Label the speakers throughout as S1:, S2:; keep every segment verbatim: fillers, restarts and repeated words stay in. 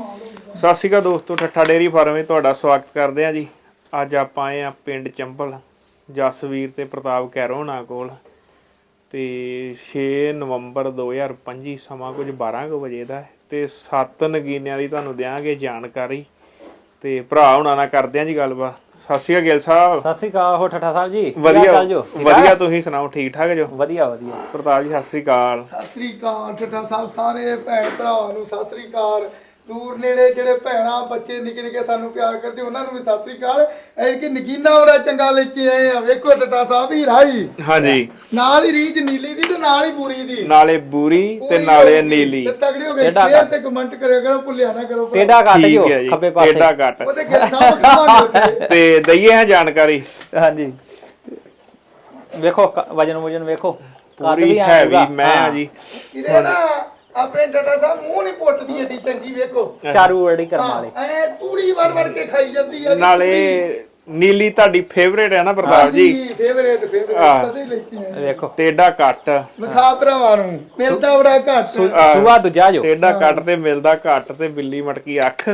S1: ਸਤਿ ਸ਼੍ਰੀ ਅਕਾਲ ਦੋਸਤੋ, ਠੱਠਾ dairy farm ਵਿੱਚ ਤੁਹਾਡਾ ਸਵਾਗਤ ਕਰਦੇ ਹਾਂ ਜੀ। ਅੱਜ ਆਪਾਂ ਆਏ ਆ ਪਿੰਡ ਚੰਬਲ ਜਸਵੀਰ ਤੇ ਪ੍ਰਤਾਪ ਕੈਰੋਂ ਹੋਣਾ ਕੋਲ ਤੇ ਛੇ ਨਵੰਬਰ ਦੋ ਹਜ਼ਾਰ ਪੱਚੀ ਸਮਾਂ ਕੁਝ ਬਾਰਾਂ ਕੁ ਵਜੇ ਦਾ ਤੇ ਸੱਤ ਨਗੀਨਿਆਂ ਦੀ ਤੁਹਾਨੂੰ ਦਿਆਂਗੇ ਜਾਣਕਾਰੀ ਤੇ ਭਰਾ ਹੁਣਾਂ ਨਾਲ ਕਰਦੇ ਹਾਂ ਜੀ ਗੱਲਬਾਤ। ਸਤਿ ਸ਼੍ਰੀ ਅਕਾਲ ਗਿੱਲ ਸਾਹਿਬ।
S2: ਸਤਿ ਸ਼੍ਰੀ ਅਕਾਲ ਹੋ ਠੱਠਾ ਸਾਹਿਬ ਜੀ।
S1: ਵਧੀਆ ਵਧੀਆ, ਤੁਸੀਂ ਸੁਣਾਓ ਠੀਕ ਠਾਕ ਜੋ?
S2: ਵਧੀਆ ਵਧੀਆ।
S1: ਪ੍ਰਤਾਪ ਜੀ ਸਤਿ ਸ਼੍ਰੀ ਅਕਾਲ।
S3: ਸਤਿ ਸ੍ਰੀ ਅਕਾਲ ਠੱਠਾ ਸਾਹਿਬ, ਸਾਰੇ ਭੈਣ ਭਰਾਵਾਂ ਨੂੰ ਸਤਿ ਸ੍ਰੀ ਅਕਾਲ। ਦੂਰ ਨੇੜੇ ਜਿਹੜੇ ਭੈਣਾਂ ਬੱਚੇ ਨਿੱਕੇ ਨਿੱਕੇ ਸਾਨੂੰ ਪਿਆਰ ਕਰਦੇ ਉਹਨਾਂ ਨੂੰ ਵੀ ਸਤਿ ਸ੍ਰੀ ਅਕਾਲ। ਇਹ ਕਿ ਨਗੀਨਾ ਬੜਾ ਚੰਗਾ ਲੈ ਕੇ ਆਏ ਆ, ਵੇਖੋ ਠੱਠਾ ਸਾਹਿਬ ਹੀ ਰਾਈ।
S1: ਹਾਂਜੀ,
S3: ਨਾਲ ਹੀ ਰੀਜ ਨੀਲੀ ਦੀ ਤੇ ਨਾਲ ਹੀ ਬੂਰੀ ਦੀ,
S1: ਨਾਲੇ ਬੂਰੀ ਤੇ ਨਾਲੇ ਨੀਲੀ।
S3: ਤੇ ਤਗੜੀ ਹੋ ਗਈ। ਸ਼ੇਅਰ ਤੇ ਕਮੈਂਟ ਕਰਿਆ ਕਰੋ, ਭੁੱਲਿਆ ਨਾ ਕਰੋ।
S2: ਟੇਡਾ ਕੱਟ ਜੋ ਖੱਬੇ ਪਾਸੇ,
S1: ਟੇਡਾ ਕੱਟ
S3: ਉਹਦੇ ਗਿੱਲ ਸਾਹਿਬ ਖਾਵਾਂਗੇ
S1: ਤੇ ਦਈਏ ਹੈ ਜਾਣਕਾਰੀ।
S2: ਹਾਂਜੀ ਵੇਖੋ ਵਜਨ ਵਜਨ ਵੇਖੋ,
S1: ਪੂਰੀ ਹੈਵੀ ਮੈਂ ਆ ਜੀ।
S3: ਇਹਦੇ ਨਾ ਆਪਣੇ ਡਾਟਾ ਸਾਹਿਬ ਮੂੰਹ ਨਹੀਂ ਪੁੱਟਦੀ ਏਡੀ ਚੰਗੀ, ਵੇਖੋ
S2: ਚਾਰੂ ਵੜੀ ਕਰਨ ਵਾਲੇ
S3: ਐ ਤੂੜੀ ਵੜ ਵੜ ਕੇ ਖਾਈ ਜਾਂਦੀ ਆ।
S1: ਨਾਲੇ ਨੀਲੀ ਤੁਹਾਡੀ ਫੇਵਰੇਟ ਹੈ ਨਾ ਪ੍ਰਤਾਪ ਜੀ?
S3: ਫੇਵਰੇਟ ਫੇਵਰੇਟ ਕਦੇ ਲੈ ਕੇ ਆਏ।
S2: ਵੇਖੋ
S1: ਟੇਡਾ ਕੱਟ
S3: ਵਿਖਾ ਭਰਾਵਾਂ ਨੂੰ, ਮਿਲਦਾ ਬੜਾ ਘੱਟ।
S2: ਸੁਆ ਦੂਜਾ ਜੋ
S1: ਟੇਡਾ ਕੱਟ ਤੇ ਮਿਲਦਾ ਘੱਟ ਤੇ ਬਿੱਲੀ ਮਟਕੀ ਅੱਖ।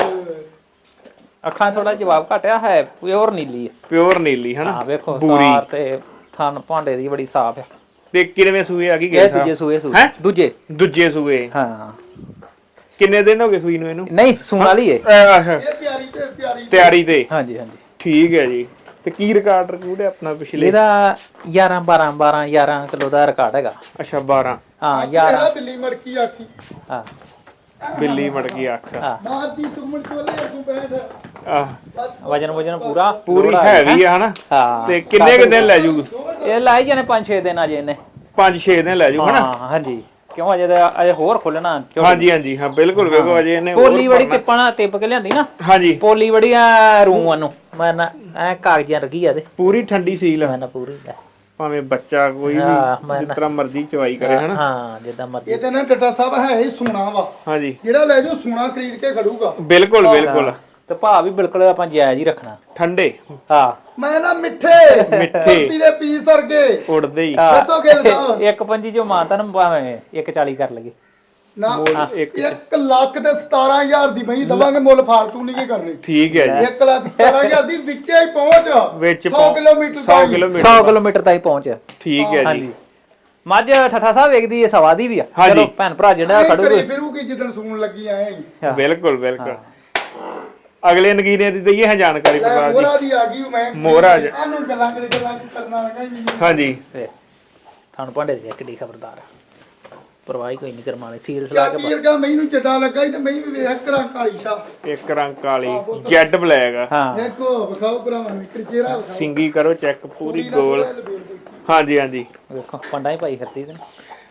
S2: ਅੱਖਾਂ ਥੋੜਾ ਜਵਾਬ ਘਟਿਆ ਹੈ, ਪਿਓਰ ਨੀਲੀ ਹੈ,
S1: ਪਿਓਰ ਨੀਲੀ ਹੈ ਨਾ।
S2: ਹਾਂ ਵੇਖੋ
S1: ਬੂਰੀ
S2: ਸਾਰ ਤੇ ਥਣ ਭਾਂਡੇ ਦੀ ਬੜੀ ਸਾਫ ਹੈ।
S1: ਤੇ ਕਿੰਨੇ ਸੂਏ ਆ ਗਈ?
S2: ਇਹ ਦੂਜੇ ਸੂਏ ਸੂਏ
S1: ਹੈ
S2: ਦੂਜੇ
S1: ਦੂਜੇ ਸੂਏ।
S2: ਹਾਂ
S1: ਕਿੰਨੇ ਦਿਨ ਹੋ ਗਏ ਸੂਈ ਨੂੰ ਇਹਨੂੰ?
S2: ਨਹੀਂ ਸੂਣ ਵਾਲੀ ਹੈ
S3: ਇਹ ਪਿਆਰੀ ਤੇ ਪਿਆਰੀ
S1: ਤਿਆਰੀ ਤੇ।
S2: ਹਾਂਜੀ ਹਾਂਜੀ
S1: ਠੀਕ ਹੈ ਜੀ। ਤੇ ਕੀ ਰਿਕਾਰਡ ਰਿਕੂਡ ਹੈ ਆਪਣਾ ਪਿਛਲੇ?
S2: ਇਹਦਾ ਗਿਆਰਾਂ ਬਾਰਾਂ ਬਾਰਾਂ ਗਿਆਰਾਂ ਕਿਲੋ ਦਾ ਰਿਕਾਰਡ ਹੈਗਾ।
S1: ਅੱਛਾ ਬਾਰਾਂ।
S2: ਹਾਂ ਗਿਆਰਾਂ
S3: ਬਿੱਲੀ ਮੜਕੀ ਆਖੀ।
S2: ਹਾਂ
S1: ਬਿੱਲੀ ਮਟਕੀ ਅੱਖ।
S2: ਹਾਂ
S3: ਬਾਤ ਦੀ ਸੁਮਣ ਚੋਲੇ ਤੂੰ ਬੈਠ।
S1: ਆਹ
S2: ਵਜਨ ਵਜਨ ਪੂਰਾ
S1: ਪੂਰੀ ਹੈਵੀ ਹੈ ਹਨਾ।
S2: ਹਾਂ
S1: ਤੇ ਕਿੰਨੇ ਕੁ ਦਿਨ ਲੈ ਜੂ?
S2: ਇਹ ਲਾਈ ਜਾਣੇ ਪੰਜ ਛੇ ਦਿਨ ਅਜੇ ਇਹਨੇ।
S1: ਪੰਜ ਛੇ ਦਿਨ ਲੈ ਜੂ ਹਨਾ।
S2: ਹਾਂ ਹਾਂਜੀ, ਕਿਉਂ ਅਜੇ ਤਾਂ ਅਜੇ ਹੋਰ ਖੁੱਲਣਾ।
S1: ਹਾਂਜੀ ਹਾਂਜੀ ਹਾਂ ਬਿਲਕੁਲ। ਵੇਖੋ ਅਜੇ ਇਹਨੇ
S2: ਪੋਲੀ ਬੜੀ ਟਿੱਪਣਾ ਟਿੱਪ ਕੇ ਲਿਆਂਦੀ ਨਾ।
S1: ਹਾਂਜੀ
S2: ਪੋਲੀ ਬੜੀ ਆ ਰੂਆਂ ਨੂੰ ਮੈਂ ਨਾ ਐ ਕਾਗਜ਼ਾਂ ਰਗੀ ਆ ਤੇ
S1: ਪੂਰੀ ਠੰਡੀ ਸੀਲ।
S2: ਮੈਂ ਨਾ ਪੂਰੀ ਲੈ
S1: ਭਾਵੇਂ ਬੱਚਾ ਕੋਈ ਵੀ ਜਿਸ ਤਰ੍ਹਾਂ ਮਰਜ਼ੀ ਚਵਾਈ ਕਰੇ ਹਨਾ।
S2: ਹਾਂ ਜਿੱਦਾਂ ਮਰਜ਼ੀ।
S3: ਇਹ ਤੇ ਨਾ ਡੱਟਾ ਸਾਹਿਬ ਹੈ ਹੀ ਸੋਨਾ ਵਾ।
S1: ਹਾਂਜੀ
S3: ਜਿਹੜਾ ਲੈ ਜਾਓ ਸੋਨਾ ਖਰੀਦ ਕੇ ਖੜੂਗਾ।
S1: ਬਿਲਕੁਲ ਬਿਲਕੁਲ।
S2: ਤੇ ਭਾਅ ਵੀ ਬਿਲਕੁਲ ਆਪਾਂ ਜਾਇਜ਼ ਹੀ ਰੱਖਣਾ।
S1: ਠੰਡੇ
S2: ਹਾਂ
S3: ਮੈਂ ਨਾ ਮਿੱਠੇ
S1: ਮਿੱਠੇ
S3: ਦੇ ਪੀਸ ਵਰਗੇ
S1: ਉੜਦੇ ਹੀ।
S3: ਦੱਸੋ ਗਿੱਲ ਸਾਹਿਬ।
S2: ਇੱਕ ਪੰਜੀ ਜੋ ਮਾਨਤਾ ਨੂੰ ਭਾਵੇਂ ਇੱਕ ਚਾਲੀ ਕਰ ਲਈਏ
S3: ਨਾ
S1: ਇੱਕ
S3: ਇੱਕ ਲੱਖ ਤੇ ਸਤਾਰਾਂ ਹਜ਼ਾਰ ਦੀ ਬਈ ਦਵਾਂਗੇ, ਮੁੱਲ ਫਾਲਤੂ ਨਹੀਂ ਕੀ ਕਰਨੀ।
S1: ਠੀਕ ਹੈ ਜੀ।
S3: ਇੱਕ ਲੱਖ ਸਤਾਰਾਂ ਹਜ਼ਾਰ ਦੀ ਵਿੱਚੇ ਹੀ ਪਹੁੰਚ
S1: ਵਿੱਚ
S3: ਸੌ ਕਿਲੋਮੀਟਰ
S1: ਸੌ ਕਿਲੋਮੀਟਰ
S2: ਸੌ ਕਿਲੋਮੀਟਰ ਤਾਈਂ ਪਹੁੰਚ।
S1: ਠੀਕ ਹੈ ਜੀ।
S2: ਮੱਝ ਠੱਠਾ ਸਾਹਿਬ ਵੇਖਦੀ ਏ ਸਵਾ ਦੀ ਵੀ ਆ। ਚਲੋ ਭੈਣ ਭਰਾ ਜਿਹੜਾ ਖੜੂਗੇ
S3: ਫਿਰੂਗੀ ਜਿੱਦਣ ਸੂਣ ਲੱਗੀ ਆਏ।
S1: ਬਿਲਕੁਲ ਬਿਲਕੁਲ। ਅਗਲੇ ਨਗੀਨੇ ਦੀ ਦਈਏ ਹੈ ਜਾਣਕਾਰੀ ਪ੍ਰਤਾਪ ਜੀ।
S3: ਮੋਹਰਾ ਦੀ ਆ ਗਈ ਮੈਂ
S1: ਮੋਹਰਾ
S3: ਆਨੂੰ ਗੱਲਾਂ ਕਰੇ ਗੱਲਾਂ ਕਰਨਾ ਲੱਗਾ ਹੀ ਨਹੀਂ।
S1: ਹਾਂਜੀ
S2: ਤੁਹਾਨੂੰ ਭਾਂਡੇ ਦੀ ਕਿੱਡੀ ਖਬਰਦਾਰ ਪਰਵਾਹੀ ਕੋਈ ਨਹੀਂ ਕਰਮਾਲੇ ਸੀਲ ਸਲਾ ਕੇ
S3: ਵੀਰਗਾ ਮੈਨੂੰ ਜੱਟਾ ਲੱਗਾ ਹੀ ਤੇ ਮੈਂ ਵੀ ਵੇਖ ਕਰਾਂ ਕਾਲੀ ਸ਼ਾ
S1: ਇੱਕ ਰੰਗ ਕਾਲੀ ਜੈਡ ਬਲੈਕ ਆ।
S2: ਹਾਂ
S3: ਦੇਖੋ ਵਿਖਾਓ ਭਰਾਵਾਂ ਨੂੰ ਇੱਕ ਚਿਹਰਾ ਵਿਖਾਓ।
S1: ਸਿੰਗੀ ਕਰੋ ਚੈੱਕ ਪੂਰੀ ਗੋਲ। ਹਾਂਜੀ ਹਾਂਜੀ
S2: ਵੇਖੋ ਪੰਡਾ ਹੀ ਪਾਈ ਫਿਰਦੀ ਤੇ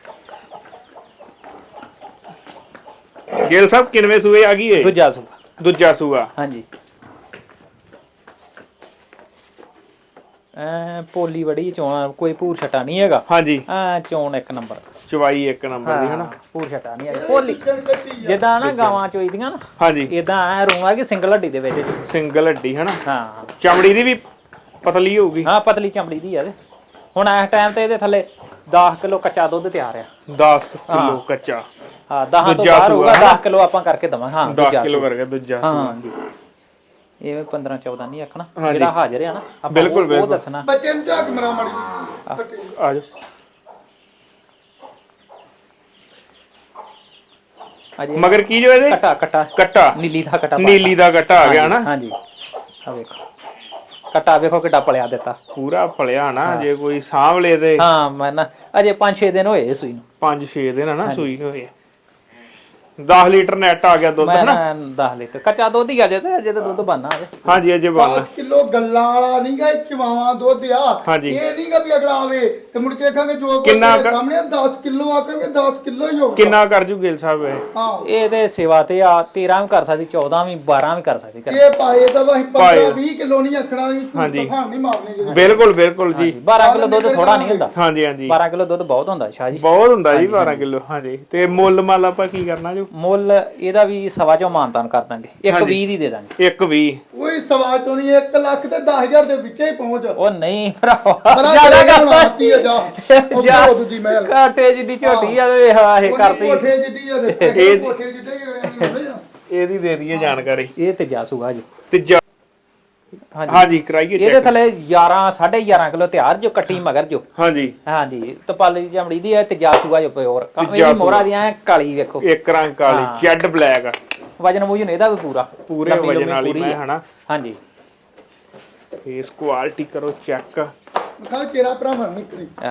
S1: ਗਿੱਲ ਸਾਹਿਬ ਕਿੰਨਵੇਂ ਸੂਏ ਆ ਗਈ ਏ?
S2: ਦੂਜਾ ਸੂਆ।
S1: ਦੂਜਾ ਸੂਆ।
S2: ਹਾਂਜੀ ਐ ਪੋਲੀ ਵੜੀ ਚੋਣ ਕੋਈ ਭੂਰ ਛਟਾ ਨਹੀਂ ਹੈਗਾ।
S1: ਹਾਂਜੀ
S2: ਐ ਚੋਣ ਇੱਕ ਨੰਬਰ,
S1: ਚਵਾਈ ਇੱਕ ਨੰਬਰ ਦੀ ਹਨਾ।
S2: ਭੂਰ ਛਟਾ ਨਹੀਂ ਹੈਗਾ। ਪੋਲੀ ਜਿੱਦਾਂ ਨਾ ਗਾਵਾਂ ਚੋਈਦੀਆਂ ਨਾ
S1: ਹਾਂਜੀ
S2: ਇਦਾਂ ਐ ਰੂਆ ਕਿ ਸਿੰਗਲ ਹੱਡੀ ਦੇ ਵਿੱਚ।
S1: ਸਿੰਗਲ ਹੱਡੀ ਹਨਾ।
S2: ਹਾਂ
S1: ਚਮੜੀ ਦੀ ਵੀ ਪਤਲੀ ਹੋਊਗੀ।
S2: ਹਾਂ ਪਤਲੀ ਚਮੜੀ ਦੀ ਆ ਤੇ ਹੁਣ ਇਸ ਟਾਈਮ ਤੇ ਇਹਦੇ ਥੱਲੇ ਦਸ ਕਿਲੋ ਕੱਚਾ ਦੁੱਧ ਤਿਆਰ ਆ।
S1: ਦਸ ਕਿਲੋ ਕੱਚਾ।
S2: ਹਾਂ ਦਸ ਤੋਂ ਬਾਹਰ ਹੋਊਗਾ। ਦਸ ਕਿਲੋ ਆਪਾਂ ਕਰਕੇ ਦਵਾਂ। ਹਾਂ
S1: ਦਸ ਕਿਲੋ ਕਰਕੇ ਦੂਜਾ।
S2: ਹਾਂ ਜੀ ਇਹ ਪੰਦਰਾਂ ਚੌਦਾਂ ਨਹੀਂ ਆਖਣਾ, ਜਿਹੜਾ ਹਾਜ਼ਰ ਆ ਨਾ
S1: ਬਿਲਕੁਲ
S2: ਉਹ ਦੱਸਣਾ।
S3: ਬੱਚੇ ਨੂੰ ਝਾਕ ਮਰਾ ਮੜੀ
S1: ਆ ਜਾ
S2: ਅਜੇ
S1: ਮਗਰ ਕੀ ਜੋ ਇਹਦੇ?
S2: ਕਟਾ ਕਟਾ
S1: ਕੱਟਾ
S2: ਨੀਲੀ ਦਾ ਕਟਾ।
S1: ਨੀਲੀ ਦਾ ਕੱਟਾ ਆ ਗਿਆ ਨਾ।
S2: ਹਾਂਜੀ ਆ ਵੇਖੋ ਕਟਾ ਵੇਖੋ ਕਿੱਡਾ ਪਲਿਆ ਦਿੱਤਾ।
S1: ਪੂਰਾ ਪਲਿਆ ਨਾ। ਜੇ ਕੋਈ ਸਾਂਭਲੇ ਤੇ
S2: ਹਾਂ ਮੈਂ ਨਾ ਅਜੇ ਪੰਜ ਛੇ ਦਿਨ ਹੋਏ ਸੂਈ ਨੂੰ।
S1: ਪੰਜ ਛੇ ਦਿਨ ਨਾ ਸੂਈ ਹੋਏ। ਦਸ ਲੀਟਰ ਨੈਟ ਆ ਗਿਆ ਦੁੱਧ
S2: ਮੈਂ
S1: ਹਨਾ।
S2: ਨਾ ਦਸ ਲੀਟਰ ਕੱਚਾ ਦੁੱਧ ਹੀ ਆ ਜੇ ਤੇ ਅਜੇ ਤਾਂ ਦੁੱਧ ਬਣਨਾ ਅਜੇ।
S1: ਹਾਂਜੀ ਅਜੇ ਬਣ
S3: ਦਸ ਕਿਲੋ ਗੱਲਾਂ ਵਾਲਾ ਨਹੀਂਗਾ, ਚਵਾਵਾ ਦੁੱਧ ਆ।
S1: ਹਾਂਜੀ।
S3: ਇਹ ਨਹੀਂਗਾ ਵੀ ਅਗਲਾ ਆਵੇ ਤੇ ਮੁੜ ਕੇ ਖਾਂਗੇ ਜੋ
S1: ਕਿੰਨਾ
S3: ਸਾਹਮਣੇ ਦਸ ਕਿਲੋ ਆਕਾਂਗੇ ਦਸ ਕਿਲੋ ਹੀ ਹੋਊਗਾ।
S1: ਕਿੰਨਾ ਕਰ ਜੂ ਗਿੱਲ ਸਾਹਿਬ ਇਹ?
S3: ਹਾਂ
S2: ਇਹ ਤੇ ਸੇਵਾ ਤੇ ਆ ਤੇਰਾਂ ਵੀ ਕਰ ਸਕਦੀ, ਚੌਦਾਂ ਵੀ, ਬਾਰਾਂ ਵੀ ਕਰ ਸਕਦੀ।
S3: ਇਹ ਪਾਏ ਤਾਂ ਵਾਹੀ ਪੰਦਰਾਂ ਵੀਹ ਕਿਲੋ ਨਹੀਂ ਆਖਣਾ।
S1: ਹਾਂਜੀ।
S3: ਤੂਫਾਨ ਨਹੀਂ ਮਾਰਨੇ ਜਿਹੜੇ।
S1: ਬਿਲਕੁਲ ਬਿਲਕੁਲ ਜੀ।
S2: ਬਾਰਾਂ ਕਿਲੋ ਦੁੱਧ ਥੋੜਾ ਨਹੀਂ ਹੁੰਦਾ।
S1: ਹਾਂਜੀ ਹਾਂਜੀ
S2: ਬਾਰਾਂ ਕਿਲੋ ਦੁੱਧ ਬਹੁਤ ਹੁੰਦਾ ਸ਼ਾਹ ਜੀ।
S1: ਬਹੁਤ ਹੁੰਦਾ ਜੀ ਬਾਰਾਂ ਕਿਲੋ। ਹਾਂਜੀ ਤੇ ਮੁੱਲ ਮੱਲ ਆਪਾਂ ਕੀ ਕਰਨਾ ਜੋ?
S2: ਮੁੱਲ ਇਹਦਾ ਵੀ ਸਵਾ ਚੋਂ ਮਾਨਤਾਨ ਕਰ ਦਾਂਗੇ। ਇੱਕ ਵੀਹ ਦੀ ਦੇ ਦਾਂਗੇ।
S1: ਇੱਕ ਵੀਹ।
S3: ਕੋਈ ਸਵਾ ਚੋਂ ਨਹੀਂ, ਇੱਕ ਲੱਖ ਤੇ ਦਸ ਹਜ਼ਾਰ ਦੇ ਵਿੱਚੇ ਹੀ ਪਹੁੰਚ।
S2: ਉਹ ਨਹੀਂ ਭਰਾਵਾ
S3: ਜਿਆਦਾ ਕਰਤੀ ਆ ਜਾ ਉਹ ਦੂਜੀ ਮਹਿਲ
S2: ਕਾਟੇ ਜਿੱਡੀ ਝੋਟੀ ਆ ਤੇ ਇਹ
S3: ਕਰਤੀ ਕੋਠੇ ਜਿੱਡੀ ਆ ਤੇ ਕੋਠੇ ਜਿੱਡੇ ਹੀ
S1: ਇਹਦੀ ਦੇ ਦਈਏ ਜਾਣਕਾਰੀ।
S2: ਇਹ ਤੇ ਜਾਸੂਗਾ ਜੀ
S1: ਤੀਜਾ
S2: ਹਾਂਜੀ
S1: ਹਾਂਜੀ ਕਰਾਈਏ
S2: ਇਹਦੇ
S1: ਚੈੱਕ।
S2: ਥੱਲੇ ਗਿਆਰਾਂ ਸਾਢੇ ਗਿਆਰਾਂ ਕਿਲੋ ਤਿਆਰ ਜੋ ਕੱਟੀ ਮਗਰ ਜੋ
S1: ਹਾਂਜੀ
S2: ਹਾਂਜੀ ਤਪਾਲੀ ਦੀ ਚਮੜੀ ਦੀ ਹੈ ਤੇ ਜਾਸੂਗਾ ਜੋ ਪਿਓਰ
S1: ਤੀਜਾ
S2: ਇਹਦੀ ਮੋਹਰਾ ਦੀਆਂ ਐਂ ਕਾਲੀ ਵੇਖੋ
S1: ਇੱਕ ਰੰਗ ਕਾਲੀ
S2: ਹਾਂ।
S1: ਜੈਡ ਬਲੈਕ
S2: ਵਜਨ ਵੂਜਨ ਇਹਦਾ ਵੀ ਪੂਰਾ
S1: ਪੂਰੇ
S2: ਲੰਬੀ
S1: ਵਜਨ
S2: ਲੰਬੀ
S1: ਵਾਲੀ
S2: ਪੂਰੀ
S1: ਮੈਂ
S2: ਹੈ।
S1: ਹਨਾ।
S2: ਹਾਂਜੀ
S1: ਫੇਸ ਕੁਆਲਿਟੀ ਕਰੋ ਚੈੱਕ।
S3: ਵਿਖਾਓ ਚਿਹਰਾ ਭਰਾਵਾਂ ਨੂੰ ਕਰੀ
S2: ਆ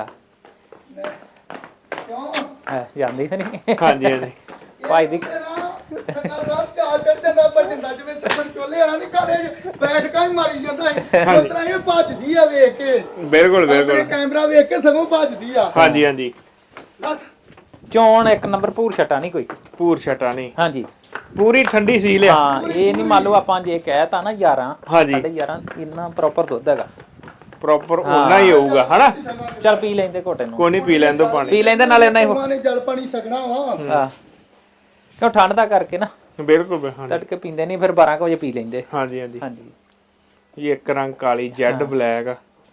S3: ਕਿਉਂ
S2: ਆ ਜਾਂਦੀ ਤਾਂ ਨਹੀਂ
S1: ਹਾਂਜੀ ਹਾਂਜੀ
S2: ਭਾਈ ਦੀ
S3: ਸੱਟਾ ਸਾਹਿਬ ਚਾਰ ਚੜ ਜਾਂਦਾ ਭੱਜਦਾ ਜਿਵੇਂ ਸੱਪਣ ਚੋਲੇ ਆ ਨਹੀਂ ਕਾੜੇ ਬੈਠ ਕੇ ਹੀ ਮਾਰੀ ਜਾਂਦਾ ਹੈ ਉਤਰਾ ਇਹ ਭੱਜਦੀ ਆ ਵੇਖ ਕੇ
S1: ਬਿਲਕੁਲ
S3: ਆਪਣੇ
S1: ਬਿਲਕੁਲ
S3: ਕੈਮਰਾ ਵੇਖ ਕੇ ਸਗੋਂ ਭੱਜਦੀ ਆ
S1: ਹਾਂਜੀ ਹਾਂਜੀ
S3: ਬਸ
S2: ਚੋਣ ਇੱਕ ਨੰਬਰ ਭੂਰ ਛਟਾ ਨਹੀਂ ਕੋਈ
S1: ਪੂਰ ਛਟਾ ਨਹੀਂ
S2: ਹਾਂਜੀ
S1: ਪੂਰੀ ਠੰਡੀ ਸੀ ਲਿਆ।
S2: ਹਾਂ ਇਹ ਨਹੀਂ ਮੰਨ ਲਓ ਆਪਾਂ ਜੇ ਕਹਿਤਾ ਨਾ ਗਿਆਰਾਂ
S1: ਹਾਂਜੀ।
S2: ਸਾਢੇ ਗਿਆਰਾਂ ਇੰਨਾ ਪ੍ਰੋਪਰ ਦੁੱਧ ਹੈਗਾ
S1: ਪ੍ਰੋਪਰ ਉਹਨਾਂ ਹੀ ਹੋਊਗਾ ਹਨਾ।
S2: ਚੱਲ ਪੀ ਲੈਂਦੇ ਘੋਟੇ ਨੂੰ
S1: ਕੋਈ ਨਹੀਂ ਪੀ ਲੈਣ ਦੋ ਪਾਣੀ।
S2: ਪੀ ਲੈਂਦੇ ਨਾਲੇ ਨਹੀਂ
S3: ਮਾਂ ਨੇ ਜਲ ਪਾਣੀ ਛਕਣਾ ਵਾ
S2: ਹਾਂ ਕਿਉਂ ਠੰਡ ਦਾ ਕਰਕੇ ਨਾ
S1: ਬਿਲਕੁਲ ਬਿਲਕੁਲ, ਹਾਂਜੀ
S2: ਤੜਕੇ ਪੀਂਦੇ ਨਹੀਂ ਫਿਰ ਬਾਰਾਂ ਕੁ ਵਜੇ ਪੀ ਲੈਂਦੇ
S1: ਹਾਂਜੀ ਹਾਂਜੀ
S2: ਹਾਂਜੀ
S1: ਇਹ ਇੱਕ ਰੰਗ ਕਾਲੀ ਜੈਡ ਬਲੈਕ ਆ।